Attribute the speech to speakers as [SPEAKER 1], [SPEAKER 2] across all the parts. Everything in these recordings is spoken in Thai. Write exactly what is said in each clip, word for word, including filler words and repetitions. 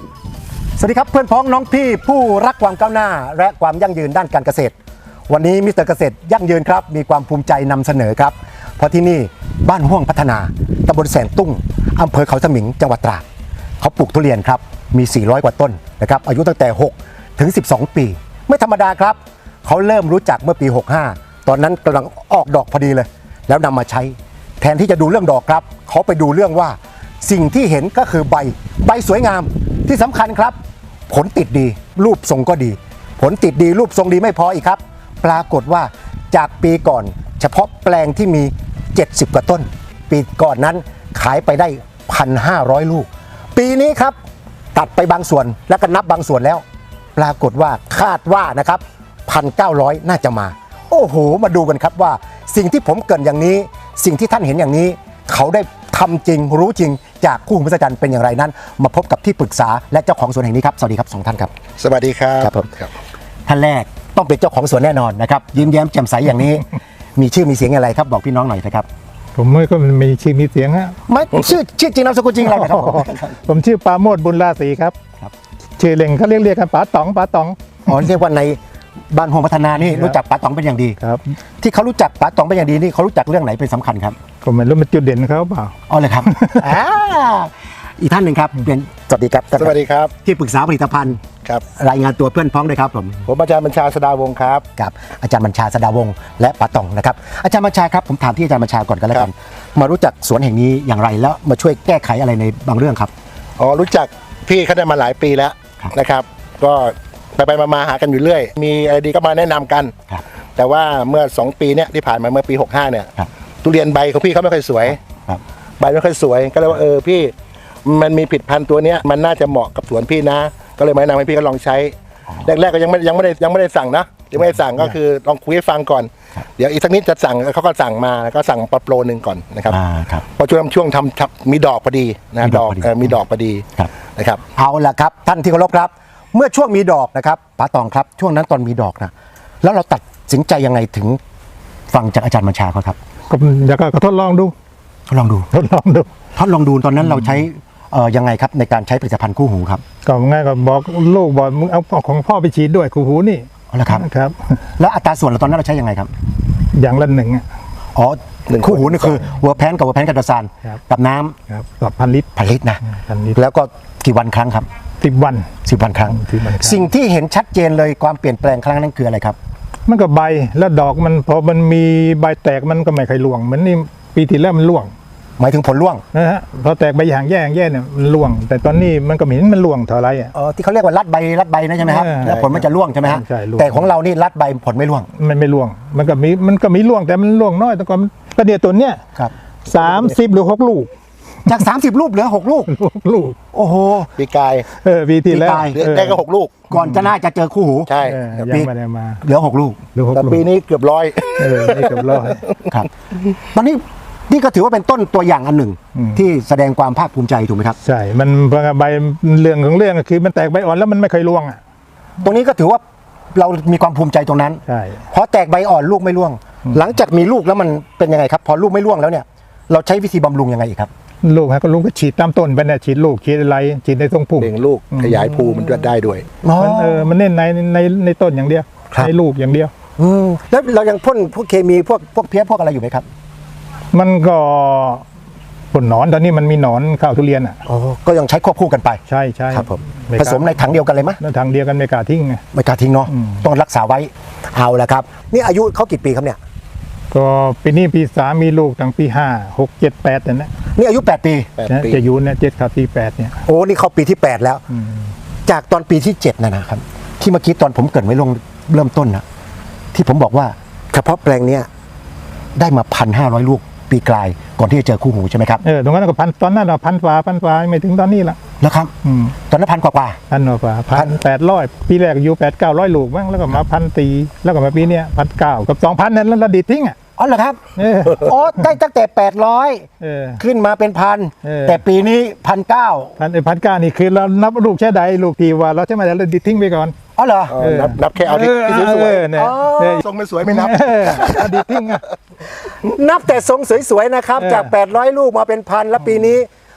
[SPEAKER 1] สวัสดีครับเพื่อนพ้องน้องพี่ผู้รักความก้าวหน้าและความยั่งยืนด้านการเกษตรวันนี้มิสเตอร์เกษตรยั่งยืนครับมีความภูมิใจนำเสนอครับเพราะที่นี่บ้านห้วงพัฒนาตำบลแสนตุ้งอำเภอเขาสมิงจังหวัดตราดเขาปลูกทุเรียนครับมีสี่ร้อยกว่าต้นนะครับอายุตั้งแต่หกถึงสิบสองปีไม่ธรรมดาครับเขาเริ่มรู้จักเมื่อปีหกสิบห้าตอนนั้นกำลังออกดอกพอดีเลยแล้วนำมาใช้แทนที่จะดูเรื่องดอกครับเขาไปดูเรื่องว่าสิ่งที่เห็นก็คือใบใบสวยงามที่สำคัญครับผลติดดีรูปทรงก็ดีผลติดดีรูปทรงดีไม่พออีกครับปรากฏว่าจากปีก่อนเฉพาะแปลงที่มีเจ็ดสิบกว่าต้นปีก่อนนั้นขายไปได้ หนึ่งพันห้าร้อย ลูกปีนี้ครับตัดไปบางส่วนแล้วก็นับบางส่วนแล้วปรากฏว่าคาดว่านะครับ หนึ่งพันเก้าร้อย น่าจะมาโอ้โหมาดูกันครับว่าสิ่งที่ผมเกริ่นอย่างนี้สิ่งที่ท่านเห็นอย่างนี้เขาได้ทำจริงรู้จริงจากคู่หูมหัศจรรย์เป็นอย่างไรนั้นมาพบกับที่ปรึกษาและเจ้าของสวนแห่งนี้ครับสวัสดีครับสองท่านครับ
[SPEAKER 2] สวัสดีครับ
[SPEAKER 1] ครับผมท่านแรกต้องเป็นเจ้าของสวนแน่นอนนะครับยิ้มแย้มแจ่มใสอย่างนี้ มีชื่อมีเสียงอะไรครับบอกพี่น้องหน่อยนะครับ
[SPEAKER 3] ผมไม่ก็มีชื่อมีเสียงฮะ
[SPEAKER 1] ไม่ชื่อชื่อจริงนามสกุลจริงอะไรครับ
[SPEAKER 3] ผมชื่อปราโมทบุญราศีครับชื่อเล่นเขาเรียกเรียกกันป๋าต๋องป๋าต๋อง
[SPEAKER 1] อ๋อเรียกว่าในบ้านห้วงพัฒนานี่รู้จักป๋าต๋องเป็นอย่างดี
[SPEAKER 3] ครับ
[SPEAKER 1] ที่เขารู้จักป๋าต๋องเป็นอย่างดีนี่เขารู้จักเรื่องไหนเป็นสำคัญครับ
[SPEAKER 3] ก็ไม่รู้มันจุดเด่นเขาเปล่า
[SPEAKER 1] อ๋อเลยครับอีกท่านหนึ่งครับเป็นสวัสดีครับ
[SPEAKER 2] สวัสดีครับ
[SPEAKER 1] ที่ปรึกษาผลิตภัณฑ์
[SPEAKER 2] ครับ
[SPEAKER 1] รายงานตัวเพื่อนพ้องด้วยครับผม
[SPEAKER 2] ผมอาจารย์บัญชาสดาวงศ์ครับ
[SPEAKER 1] กับอาจารย์บัญชาสดาวงศ์และป๋าต๋องนะครับอาจารย์บัญชาครับผมถามที่อาจารย์บัญชาก่อนกันแล้วกันมารู้จักสวนแห่งนี้อย่างไรแล้วมาช่วยแก้ไขอะไรในบางเรื่องครับ
[SPEAKER 2] อ๋อรู้จักพี่เขาได้มาหลายปีแล้วนะครับก็ไปไปมาหากันอยู่เรื่อยมีอะไรดีก็มาแนะนำกันแต่ว่าเมื่อสองปีเนี้ยที่ผ่านมาเมื่อปีหกสิบห้าเนี่ยทุเรียนใบของพี่เขาไม่ค่อยสวยใบไม่ค่อยสวยก็เลยว่าเออพี่มันมีผลิตภัณฑ์ตัวเนี้ยมันน่าจะเหมาะกับสวนพี่นะก็เลยมาแนะนำให้พี่ก็ลองใช้แรกๆก็ยังไม่ยังไม่ได้ยังไม่ได้สั่งนะยังไม่ได้สั่งก็คือลองคุยให้ฟังก่อนเดี๋ยวอีกสักนิดจะสั่งเขาก็สั่งมาก็สั่งปลาโปรหนึ่งก่อนนะครับพอช่วงช่วงทำมีดอกพอดีนะดอกมีดอกพอดีนะครับ
[SPEAKER 1] เอาละครับท่านที่เคารพครับเมื่อช่วงมีดอกนะครับป๋าต๋องครับช่วงนั้นตอนมีดอกนะแล้วเราตัดสินใจยังไงถึงฟังจากอาจารย์บัญชาเขาครับ
[SPEAKER 3] ก็อยากก็ทดลองดู
[SPEAKER 1] ทดลองดู
[SPEAKER 3] ทดลองดู
[SPEAKER 1] ทดลองดูตอนนั้นเราใช้เอ่อยังไงครับในการใช้ผลิตภัณฑ์คู่หูครับ
[SPEAKER 3] ก็ง่ายก็บอกลูกบอกมึงเอาของพ่อไปฉีดด้วยคู่หูนี่
[SPEAKER 1] เอาละครับ
[SPEAKER 3] ครับ
[SPEAKER 1] แล้วอัตราส่วนเราตอนนั้นเราใช้ยังไงครับ
[SPEAKER 3] อย่างละหนึ่ง
[SPEAKER 1] อ๋อคู่หูนี่คือวัวแพนกับวัวแพนกับดาซานกับน้
[SPEAKER 3] ำครับกับพันลิตร
[SPEAKER 1] พันลิตรนะแล้วก็กี่วันครั้งครับ
[SPEAKER 3] สิบวัน
[SPEAKER 1] สิบวันครั้งสิ่งที่เห็นชัดเจนเลยความเปลี่ยนแปลงครั้งนั้นคืออะไรครับ
[SPEAKER 3] มันก็ใบแล้วดอกมันพอมันมีใบแตกมันก็ไม่ค่อยร่วงเหมือนนี่ปีที่แล้วมันร่วง
[SPEAKER 1] หมายถึงผลร่วง
[SPEAKER 3] นะฮะพอแตกใบอย่างแย่อย่างแย่เนี่ยมันร่วงแต่ตอนนี้มันก็ไม่เห็นมันร่วงเท่าไรอ่ะ
[SPEAKER 1] อ๋อที่เขาเรียกว่ารัดใบรัดใบนะใช่ไหมครับแล้วผลมันจะร่วงใช่ไหมฮะแต่ของเรานี่รัดใบผลไม่ร่วง
[SPEAKER 3] มันไม่ร่วงมันก็มีมันก็มีร่วงแต่มันร่วงน้อยแต่ก่อนประเดี๋ยวตัวเนี้ยสามสิบหรือหกลูก
[SPEAKER 1] จากสามสิบลูกเหลือหกลูก
[SPEAKER 3] ลูก
[SPEAKER 1] โอ้โห
[SPEAKER 2] ปีกาย
[SPEAKER 3] เออปีที่แล้ว
[SPEAKER 2] ได้ก็หกลูก
[SPEAKER 1] ก่อนจะน่าจะเจอคู่หู
[SPEAKER 2] ใช่
[SPEAKER 3] ปีไม่ได้มา
[SPEAKER 1] เหลือหกลูก
[SPEAKER 2] แต่ปีนี้เกือบร้อย
[SPEAKER 3] เออนี่เกือบร้อย
[SPEAKER 1] ครับตอนนี้นี่ก็ถือว่าเป็นต้นตัวอย่างอันหนึ่งที่แสดงความภาคภูมิใจถูกไหมครับ
[SPEAKER 3] ใช่มันใบเรื่องของเรื่องก็คือมันแตกใบอ่อนแล้วมันไม่เคยร่วงอ่ะ
[SPEAKER 1] ตรงนี้ก็ถือว่าเรามีความภูมิใจตรงนั้น
[SPEAKER 3] ใช่
[SPEAKER 1] เพราะแตกใบอ่อนลูกไม่ร่วงหลังจากมีลูกแล้วมันเป็นยังไงครับพอลูกไม่ร่วงแล้วเนี่ยเราใช้วิธีบำรุงยังไงอีกครับ
[SPEAKER 3] ลูกฮะก็ลูกก็ฉีดตามต้นไปเนี่ยฉีดลูกฉีดอะไรฉีดในทรงพุ่ม
[SPEAKER 2] เบ่งลูกขยายภูมันได้ด้วย
[SPEAKER 3] มันเออมันเน้นในในในต้นอย่างเดียวในลูกอย่างเดียว
[SPEAKER 1] อืมแล้วเรายังพ่นพวกเคมีพวกพวกเพี้ยพวกอะไรอยู่ไหมครับ
[SPEAKER 3] มันก็ผลหนอนตอนนี้มันมีหนอนข้าวทุเรียนอ่ะ
[SPEAKER 1] อ๋อก็ยังใช้ควบคู่กันไป
[SPEAKER 3] ใช่ใช่
[SPEAKER 1] ครับผมผสมในถังเดียวกันเลยไหม
[SPEAKER 3] ในถังเดียวกันไม่กล้าทิ้งไง
[SPEAKER 1] ไม่กล้าทิ้งเนาะต้องรักษาไว้เอาละครับนี่อายุเขากี่ปีครับเนี่ย
[SPEAKER 3] ก็ปีนี้ปีสามมีลูกตั้งปีห้าหกเจ็ดแปดเนี่ยนะ
[SPEAKER 1] นี่อายุแปดปี
[SPEAKER 3] จะอยู่เนี่ยเจ็ดเข้าปีแปดเนี่ย
[SPEAKER 1] โอ้นี่เขาปีที่แปดแล้วจากตอนปีที่เจ็ดนะนะครับที่เมื่อกี้ตอนผมเกิดไว้ลงเริ่มต้นนะที่ผมบอกว่าเฉพาะแปลงเนี้ยได้มาพันห้าร้อยลูกปีกลายก่อนที่จะเจอคู่หูใช่ไหมครับ
[SPEAKER 3] เออตรงนั้นก็พันตอนนั้นเราพันฟ้าพันฟ้าไม่ถึงตอนนี้ละ
[SPEAKER 1] แล้วครับตอนนั้นพันกว่า
[SPEAKER 3] พันกว่าพันแปดร้อยปีแรกอยู่แปดเก้าร้อยลูกบ้างแล้วก็มาพันตีแล้วก็มาปีเนี้ยพันเก้ากับสองพันนั้นแล้วเราดีทิ้งอ่ะ
[SPEAKER 1] อ๋อเหรอครับอ๋อได้ตั้งแต่แปดร้อยขึ้นมาเป็นพันแต่ปีนี้พันเก้า
[SPEAKER 3] พันไอ้พันเก้านี่คือเรานับลูกแค่ใดลูกทีว่าเราใช่ไหมเราดีทิ้งไปก่อน
[SPEAKER 1] อ๋อเหรอ
[SPEAKER 2] นับนับแค่เอาที่สวย
[SPEAKER 3] ๆเนี่ย
[SPEAKER 2] ทรงไม่สวยไม่นับ
[SPEAKER 3] ดีทิ้งอ่ะ
[SPEAKER 1] นับแต่ทรงสวยๆนะครับจากแปดร้อยลูกมาเป็นพันแล้วปีนี้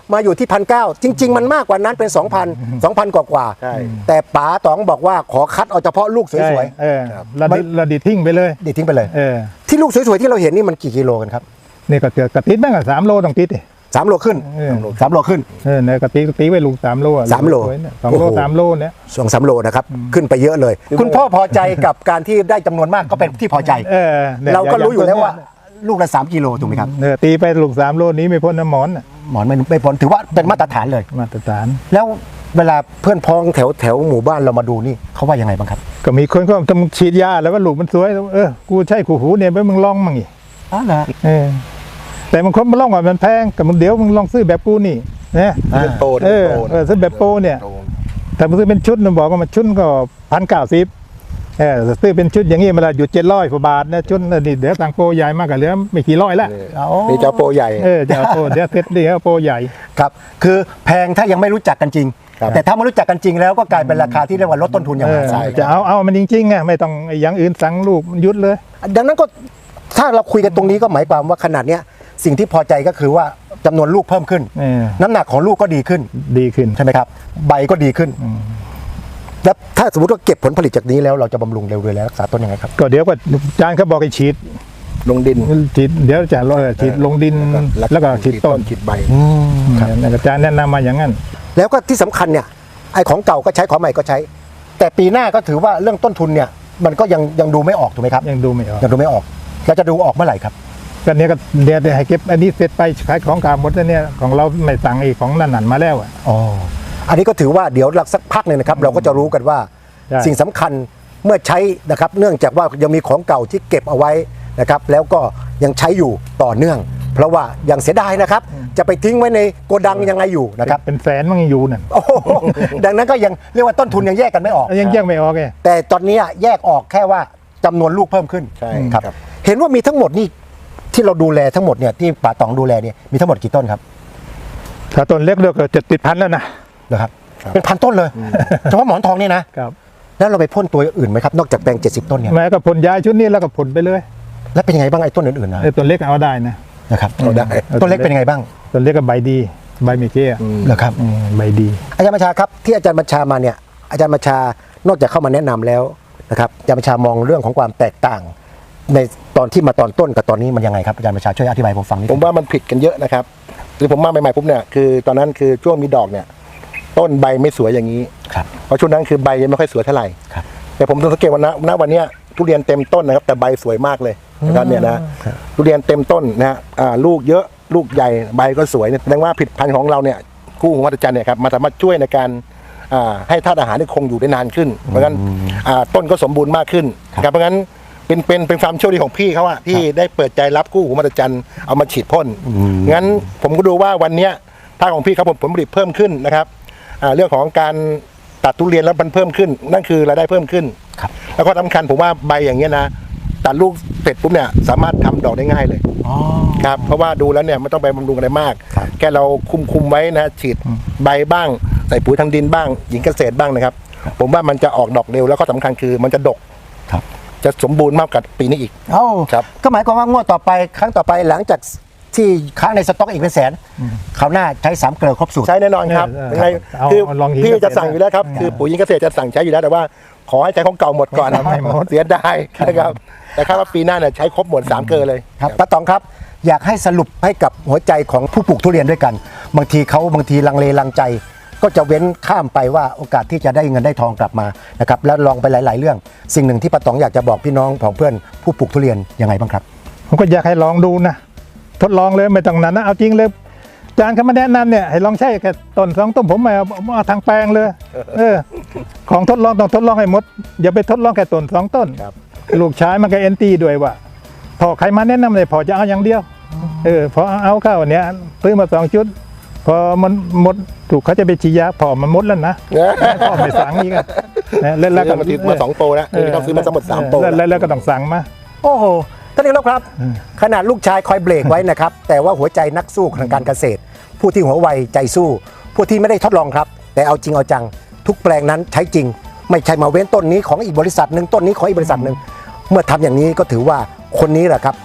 [SPEAKER 1] มาอยู่ที่พันเก้าจริง ๆ มันมากกว่านั้นเป็น 2,000 2,000 กว่ากว่า
[SPEAKER 2] ใช่
[SPEAKER 1] แต่ป๋าต๋องบอกว่าขอคัดเอาเฉพาะลูกสวย
[SPEAKER 3] เออระดิระดิทิ้งไปเลย
[SPEAKER 1] ๆดิทิ้งไปเลย
[SPEAKER 3] เออ
[SPEAKER 1] ที่ลูกสวยๆที่เราเห็นนี่มันกี่กิโลกันครับ
[SPEAKER 3] นี่ก็เกือบกระติดแม่งอะสามโลต้องติดดิ
[SPEAKER 1] สามโลขึ้น
[SPEAKER 3] เออ
[SPEAKER 1] สามโลขึ้น
[SPEAKER 3] เออเนี่ยกระติดตีไว้ลูกสามโลอะ
[SPEAKER 1] สามโล
[SPEAKER 3] สวยเนี่ยสองโล
[SPEAKER 1] โอ้โห
[SPEAKER 3] สามโลเนี่ย
[SPEAKER 1] สองสามโลนะครับขึ้นไปเยอะเลย คุณพ่อพอใจกับการที่ได้จำนวนมากก็เป็นที่พอใจ
[SPEAKER 3] เออนี่
[SPEAKER 1] เราก็รู้อยู่แล้วว่า
[SPEAKER 3] เนี่ย
[SPEAKER 1] ลูกละสามกิโลถูกไหมครับ
[SPEAKER 3] เออตีไปลูกสามโลนี้ไม่พ้นน้ำหมอนน่ะ
[SPEAKER 1] หมอนไม่ไม่พ้นถือว่าเป็นมาตรฐานเลย
[SPEAKER 3] มาตรฐาน
[SPEAKER 1] แล้วเวลาเพื่อนพ้องแถวแถวหมู่บ้านเรามาดูนี่เขาว่ายังไงบ้างครับ
[SPEAKER 3] ก็มีคนก็ต้องฉีดยาแล้วว่าลูกมันสวยเออกูใช่ขู่หูเนี่ยไปมึงลองมั่งอีก
[SPEAKER 1] อ๋อเหรอ
[SPEAKER 3] เออแต่บางคนมันลองว่ามันแพงกับมึงเดี๋ยวมึงลองซื้อแบบกูนี่นะ
[SPEAKER 2] เป็นโปร
[SPEAKER 3] เออ
[SPEAKER 2] เป็นโปร
[SPEAKER 3] เออซื้อแบบโปรเนี่ย
[SPEAKER 2] โปร
[SPEAKER 3] ถ้ามึงซื้อเป็นชุดมันบอกว่ามันชุดก็พันเก้าสิบเออซื้อเป็นชุดอย่างงี้มันละอยู่เจ็ดร้อยกว่าบาทนะชุดนี่เดี๋ยวต่างโปรใหญ่มากกับเหลือไม่กี่ร้อยละ
[SPEAKER 2] นี่เจ้าโปรใหญ่
[SPEAKER 3] เออจะเอาโปรเดี๋ยวเซ็ตเดี๋ยวโปรใหญ่
[SPEAKER 1] ครับคือแพงถ้ายังไม่รู้จักกันจริง
[SPEAKER 2] ครับ
[SPEAKER 1] แต่ถ้ามารู้จักกันจริงแล้วก็กลายเป็นราคาที่เรียกว่าลดต้นทุนอย่าง
[SPEAKER 3] เอ
[SPEAKER 1] ม
[SPEAKER 3] อ
[SPEAKER 1] หาศาล
[SPEAKER 3] จะเอาเอามันจริงๆไงไม่ต้องไอ้อย่างอื่นสั่งลูกมันยุดเลย
[SPEAKER 1] ดังนั้นก็ถ้าเราคุยกันตรงนี้ก็หมายความว่าขนาดเนี้ยสิ่งที่พอใจก็คือว่าจำนวนลูกเพิ่มขึ้น
[SPEAKER 3] เออ
[SPEAKER 1] น้ำหนักของลูกก็ดีขึ้น
[SPEAKER 3] ดีขึ้น
[SPEAKER 1] ใช่ไหมครับ ใบก็ดีขึ้นแล้วถ้าสมมติว่าเก็บผลผลิตจากนี้แล้วเราจะบำรุงเร็วๆแล้วรักษาต้นยังไงครับ
[SPEAKER 3] ก็เดี๋ยวก็จานเขาบอกให้ฉีด
[SPEAKER 2] ลงดิน
[SPEAKER 3] ฉีดเดี๋ยวจะเออฉีดลงดินแล้วก็ฉีดต้น
[SPEAKER 2] ฉีดใบ
[SPEAKER 3] ครับอาจารย์แนะนำมาอย่างนั้น
[SPEAKER 1] แล้วก็ที่สำคัญเนี่ยไอ้ของเก่าก็ใช้ของใหม่ก็ใช้ แต่ปีหน้าก็ถือว่าเรื่องต้นทุนเนี่ยมันก็ยังยังดูไม่ออกถูกไหมครับ
[SPEAKER 3] ยังดูไม่ออก
[SPEAKER 1] ยังดูไม่ออกแล้วจะดูออกเมื่อไหร่ครับ
[SPEAKER 3] ก็เนี้ยก็เดี๋ยวให้เก็บอันนี้เสร็จไปขายของเก่าหมดแล้วเนี่ยของเราไม่สั่งไอ้ของนั่นนั่นมาแล้วอ่ะ
[SPEAKER 1] อ๋ออันนี้ก็ถือว่าเดี๋ยวหลักสักพักหนึ่งนะครับเราก็จะรู้กันว่า
[SPEAKER 3] ใช่
[SPEAKER 1] สิ่งสำคัญเมื่อใช้นะครับเนื่องจากว่ายังมีของเก่าที่เก็บเอาไว้นะครับแล้วก็ยังใช้อยู่ต่อเนื่อง เพราะว่ายังเสียดายนะครับจะไปทิ้งไว้ในโกดังยังไงอยู่นะครับ
[SPEAKER 3] เป็นแสนมันยังอยู่นั่น
[SPEAKER 1] โอ้โหดังนั้นก็ยังเรียกว่าต้นทุนยังแยกกันไม่ออก
[SPEAKER 3] ยังแยกไม่ออกไง
[SPEAKER 1] แต่ตอนนี้แยกออกแค่ว่าจำนวนลูกเพิ่มขึ้น
[SPEAKER 2] ใช่
[SPEAKER 1] ครับ
[SPEAKER 2] ครับ
[SPEAKER 1] เห็นว่ามีทั้งหมดนี่ที่เราดูแลทั้งหมดเนี่ยที่ป่าตองดูแลเนี่ยมีทั้งหมดกี่ต้นครับ
[SPEAKER 3] ถ้าต้นเล็กเดียวก็จะติดพันแล้วนะ
[SPEAKER 1] นะครับเป็นพันต้นเลยเฉพาะหมอนทองเนี่ยนะครับ แล้วเราไปพ่นตัวอื่นไหมครับนอกจากแปลงเจ็ดสิบต้นเนี่ย
[SPEAKER 3] แม้ก็ผลย้ายชุดนี้แล้วก็ผลไปเลย
[SPEAKER 1] แล้วเป็นยังไงบ้างไอ้ต้นอื่นๆนะ
[SPEAKER 3] ไอ้ต้นเล็กเอาได้นะ
[SPEAKER 1] นะครับ
[SPEAKER 2] เอาได้
[SPEAKER 1] ต้นเล็กเป็นยังไงบ้าง
[SPEAKER 3] ต้นเล็กก็ใบดีใบไม่เกี้ย
[SPEAKER 1] เหรอครับ
[SPEAKER 3] อืมใบดี
[SPEAKER 1] อาจารย์บัญชาครับที่อาจารย์บัญชามาเนี่ยอาจารย์บัญชานอกจากเข้ามาแนะนำแล้วนะครับอาจารย์บัญชามองเรื่องของความแตกต่าง ในตอนที่มาตอนต้นกับตอนนี้มันยังไงครับอาจารย์บัญชาช่วยอธิบายผมฟังนิด
[SPEAKER 2] ผมว่ามันผิดกันเยอะนะครับคือผมมาใหม่ๆปุ๊บเนี่ยคือตอนนั้นคือช่วงมีดอกเนี่ยต้นใบไม่สวยอย่างนี้
[SPEAKER 1] ครับ
[SPEAKER 2] เพราะช่วงนั้นคือใบยังไม่ค่อยสวยเท่าไหร่
[SPEAKER 1] ครับ
[SPEAKER 2] แต่ผมสังเกตว่าณณวันเนี้ยทุเรียนเต็มต้นนะครับแต่ใบสวยมากเลยนะครับเนี่ยนะทุเรียนเต็มต้นนะฮะอ่าลูกเยอะลูกใหญ่ใบก็สวยเนี่ยแสดงว่าผลิตภัณฑ์ของเราเนี่ยคู่หูวัฒจันทร์เนี่ยครับมาสามารถช่วยในการอ่าให้ธาตุอาหารที่คงอยู่ได้นานขึ้น เพราะฉะนั้นอ่าต้นก็สมบูรณ์มากขึ้นนะครับเพราะฉะนั้นเป็นเป็นเป็นความโชคดีของพี่เขาอะที่ได้เปิดใจรับคู่หูวัฒจันทร์เอามาฉีดพ่นงั้นผมก็ดูว่าวันเนี้ยถ้าของพี่เขาผมผลผลิตเพิ่มขึ้นนะครับอ่าเรื่องของการตัดทุเรียนแล้วมันเพิ่มขึ้น นั่นคือรายได้เพิ่มขึ้น
[SPEAKER 1] ครับ
[SPEAKER 2] แล้วก็สำคัญผมว่าใบอย่างเงี้ยนะตัดลูกเสร็จปุ๊บเนี่ยสามารถทำดอกได้ง่ายเลย
[SPEAKER 1] อ๋อ
[SPEAKER 2] ครับเพราะว่าดูแล้วเนี่ยไม่ต้องไปบำรุงอะไรมาก
[SPEAKER 1] ครับ
[SPEAKER 2] แค่เราคุมคุมไว้นะฉีดใบบ้างใส่ปุ๋ยทางดินบ้างหญิงเกษตรบ้างนะครับ ผมว่ามันจะออกดอกเร็วแล้วก็สำคัญคือมันจะดก
[SPEAKER 1] ครับ
[SPEAKER 2] จะสมบูรณ์มากกว่าปีนี้อีก
[SPEAKER 1] เอ้า
[SPEAKER 2] ครับ
[SPEAKER 1] ก็หมายความว่างวดต่อไปครั้งต่อไปหลังจากที่ค้างในสต็อกอีกเป็นแสนคราวหน้าใช้สามเกลือครบสูตร
[SPEAKER 2] ใช้แน่นอนครับ
[SPEAKER 3] เออ
[SPEAKER 2] ยังไง
[SPEAKER 3] เอา
[SPEAKER 2] คือ
[SPEAKER 3] เอาลองหญิง
[SPEAKER 2] พี่
[SPEAKER 3] เกษตร
[SPEAKER 2] จะสั่งอยู่แล้วครับคือปุ๋ยหญิงเกษตรจะสั่งใช้อยู่แล้วแต่ว่าขอให้ใช้ของเก่าหมดก่อน
[SPEAKER 3] ไม่หมด
[SPEAKER 2] เสียดายนะครับแต่คาดว่าปีหน้าเนี่ยใช้ครบหมดสามเกลือเลย
[SPEAKER 1] ครับป้าตองครับอยากให้สรุปให้กับหัวใจของผู้ปลูกทุเรียนด้วยกัน บางทีเขาบางทีลังเลลังใจ ก็จะเว้นข้ามไปว่าโอกาสที่จะได้เงินได้ทองกลับมานะครับแล้วลองไปหลาย ๆ เรื่อง สิ่งหนึ่งที่ป้าตองอยากจะบอกพี่น้องของเพื่อนผู้ปลูกทุเรียนยังไงบ้างครับ
[SPEAKER 3] ผมก็อยากให้ลองดูนะทดลองเลยไม่ต้องนานนะเอาจริงเลยอาจารย์เขามาแนะนำเนี่ยให้ลองใช้แค่ต้นสองต้นผมไม่เอาเอาทางแปลงเลย เออ ของทดลองต้องทดลองให้หมด อย่าไปทดลองแค่ต้นสองต้น
[SPEAKER 2] ครับ
[SPEAKER 3] ลูกชายมันก็เอ็นตีด้วยว่าพอใครมาแนะนำเลยพอจะเอาอย่างเดียว เออพอเอาเข้าเนี่ยซื้อมาสองชุด พอมันหมดถูกเขาจะไปฉีดยาพอมันหมดแล้วนะพ่อไม่สั่งอีกอะนะแล้วแล้วก็
[SPEAKER 2] ซื้อมาสองโปรแล้วนี่ต้องซื้อมาทั้งหมดสามโปร
[SPEAKER 3] แล้วแล้วแล้วก็ต้องสั่งมา
[SPEAKER 1] โอ้โหท่านนายกครับ ขนาดลูกชายคอยเบรกไว้นะครับ แต่ว่าหัวใจนักสู้ทางการเกษตร ผู้ที่หัวไวใจสู้ ผู้ที่ไม่ได้ทดลองครับ แต่เอาจริงเอาจัง ทุกแปลงนั้นใช้จริง ไม่ใช่มาเว้นต้นนี้ของอีกบริษัทหนึ่งต้นนี้ของอีกบริษัทหนึ่งเมื่อทำอย่างนี้ก็ถือว่าคนนี้แหละครับ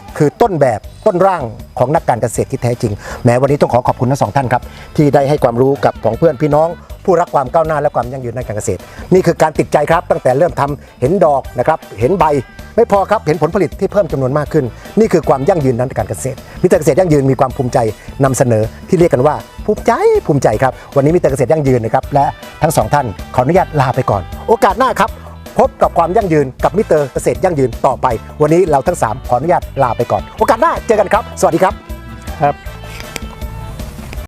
[SPEAKER 1] คือต้นแบบต้นร่างของนักการเกษตรที่แท้จริงแม้วันนี้ต้องขอขอบคุณทั้งสองท่านครับที่ได้ให้ความรู้กับของเพื่อนพี่น้องผู้รักความก้าวหน้าและความยั่งยืนด้านการเกษตรนี่คือการติดใจครับตั้งแต่เริ่มทำเห็นดอกนะครับเห็นใบไม่พอครับเห็นผลผลิตที่เพิ่มจำนวนมากขึ้นนี่คือความยั่งยืนด้านการเกษตรมิสเตอร์เกษตรยั่งยืนมีความภูมิใจนำเสนอที่เรียกกันว่าภูมิใจภูมิใจครับวันนี้มิสเตอร์เกษตรยั่งยืนนะครับและทั้งสองท่านขออนุญาตลาไปก่อนโอกาสหน้าครับพบกับความยั่งยืนกับมิสเตอร์เกษตรยั่งยืนต่อไปวันนี้เราทั้งสามขออนุญาตลาไปก่อนโอกาสหน้าเจอกันครับสวัสดีครับ
[SPEAKER 3] ครับ